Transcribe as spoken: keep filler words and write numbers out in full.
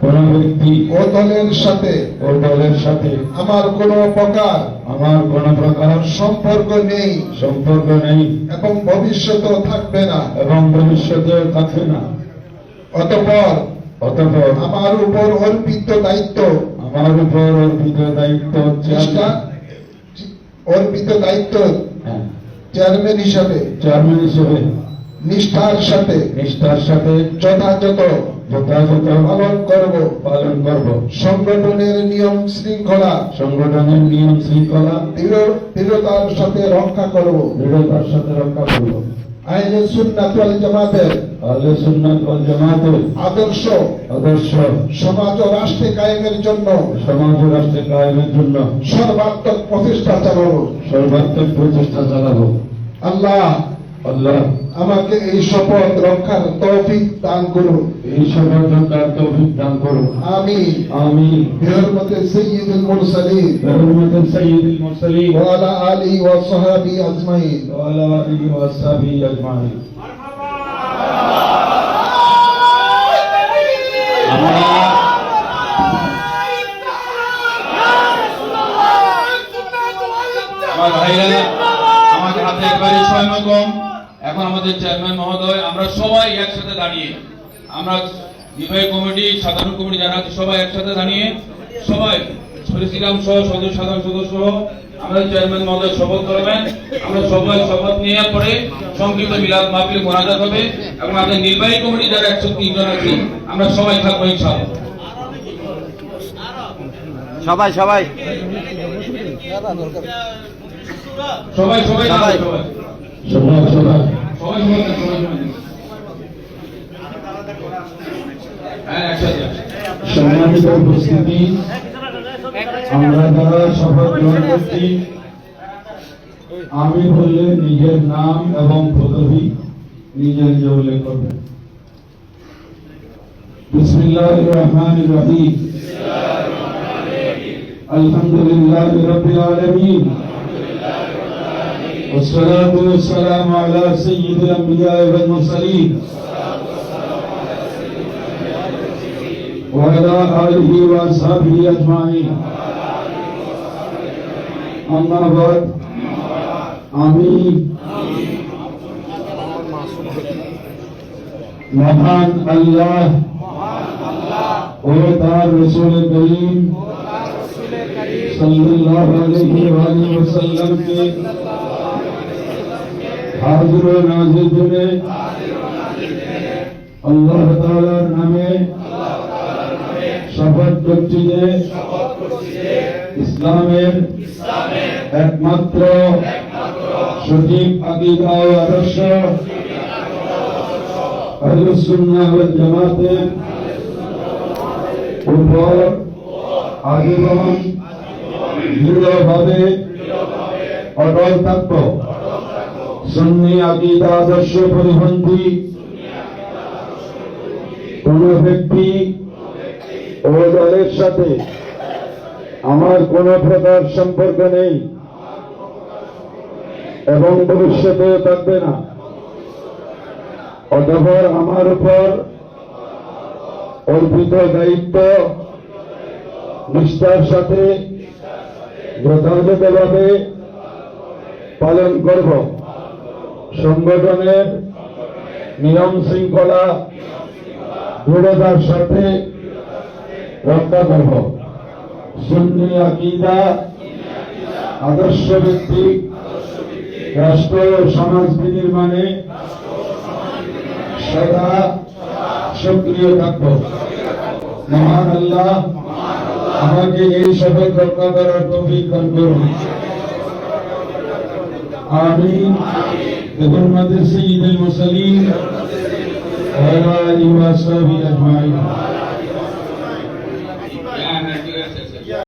কোন ব্যক্তি ও দলের সাথে ও দলের সাথে আমার কোনো প্রকার আমার কোন প্রকার সম্পর্ক নেই সম্পর্ক নেই এবং ভবিষ্যতেও থাকবে না এবং ভবিষ্যতেও থাকবে না। অতঃপর অতঃপর আমার উপর অর্পিত দায়িত্ব আমার উপর অর্পিত দায়িত্ব চেষ্টা- অর্পিত দায়িত্ব হ্যাঁ, চেয়ারম্যান হিসাবে চেয়ারম্যান হিসেবে নিষ্ঠার সাথে নিষ্ঠার সাথে যথাযথ যথাযথ পালন করব। পালন করব। সংগঠনের নিয়ম শৃঙ্খলা সংগঠনের নিয়ম শৃঙ্খলা দৃঢ়- দৃঢ়তার সাথে রক্ষা করব। দৃঢ়তার সাথে রক্ষা করব। আহলে সুন্নাত ওয়াল জামাতের আহলে সুন্নাত ওয়াল জামাতের আদর্শ আদর্শ সমাজ ও রাষ্ট্রে কায়েমের জন্য সমাজ ও রাষ্ট্রে কায়েমের জন্য সর্বাত্মক প্রচেষ্টা চালাবো। সর্বাত্মক প্রচেষ্টা চালাবো। আল্লাহ আল্লাহ আমাকে এই শপথ রক্ষার তৌফিক দান করুন। এই শপথ রক্ষার তৌফিক দান করুন। আমি আমি বিহরমতে সাইয়্যিদুল মুরসালিন বিহুরমাতি সাইয়্যিদুল মুরসালিন ওয়া আলা আলিহি ওয়া সাহবিহি আজমাইন ওয়া আলা আলিহি ওয়া আসহাবিহি আজমাইন। আমার ভাইরা, আমাদের হাতে একবারে সময় কম। এখন আমাদের চেয়ারম্যান মহোদয়, আমরা সবাই একসাথে দাঁড়িয়ে, আমরা নির্বাহী কমিটি, সাধারণ কমিটি যারা আছে সবাই একসাথে দাঁড়িয়ে, সবাই প্রেসিডেন্ট সহ সদস্য সাধারণ সদস্য আমাদের চেয়ারম্যান মহোদয় শপথ করবেন। আমরা সবাই শপথ নিয়ে পরে সংক্ষিপ্ত মিলাদ মাহফিল মোনাজাত হবে এবং আমাদের নির্বাহী কমিটি যারা একশো তিন জন আছে আমরা সবাই থাকবো ইনশাআল্লাহ। সবাই সবাই সবাই সবাই সবাই। সবাই সবাই সবাই সবাই সবাই হ্যাঁ একসাথে। সম্মানিত উপস্থিতি, আমরা যারা শপথ গ্রহণ করছি, আমি বললে নিজের নাম এবং পদবি নিজে নিজে উল্লেখ করবেন। বিসমিল্লাহির রহমানির রহিম। আলহামদুলিল্লাহি রাব্বিল আলামিন। والصلاة والسلام على سيد الأنبياء والمرسلين وعلى آله وأصحابه أجمعين أما بعد আমি মহান আল্লাহ ও তার রাসূল করিম সাল্লাল্লাহু আলাইহি ওয়াসাল্লাম কে হাজির ও নাজির করে আল্লাহ তাআলার নামে শপথ করছি যে ইসলামের একমাত্র সঠিক আকীদা ও আদর্শ আহলে সুন্নাহ ওয়াল জামাতের উপর আজীবন দৃঢ়ভাবে অটল থাকব। সুন্নি আকীদা আদর্শ পরিপন্থী কোন ব্যক্তি ও দলের সাথে আমার কোন প্রকার সম্পর্ক নেই এবং ভবিষ্যতে থাকবে না। অতঃপর আমার উপর অর্পিত দায়িত্ব নিষ্ঠার সাথে যথাযথভাবে পালন করব। সংগঠনের নিয়ম শৃঙ্খলা দৃঢ়তার সাথে রক্ষা করব। সুন্নি আকীদা আদর্শ ভিত্তিক রাষ্ট্র ও সমাজ বিনির্মাণে সদা সক্রিয় থাকব। মহান আল্লাহ আমাকে এই শপথ রক্ষা করার তৌফিক দান করুন। আমিন। বিহুরমাতি সাইয়্যিদুল মুরসালিন ওয়া আলা আলিহি ওয়া সাহবিহি আজমাইন।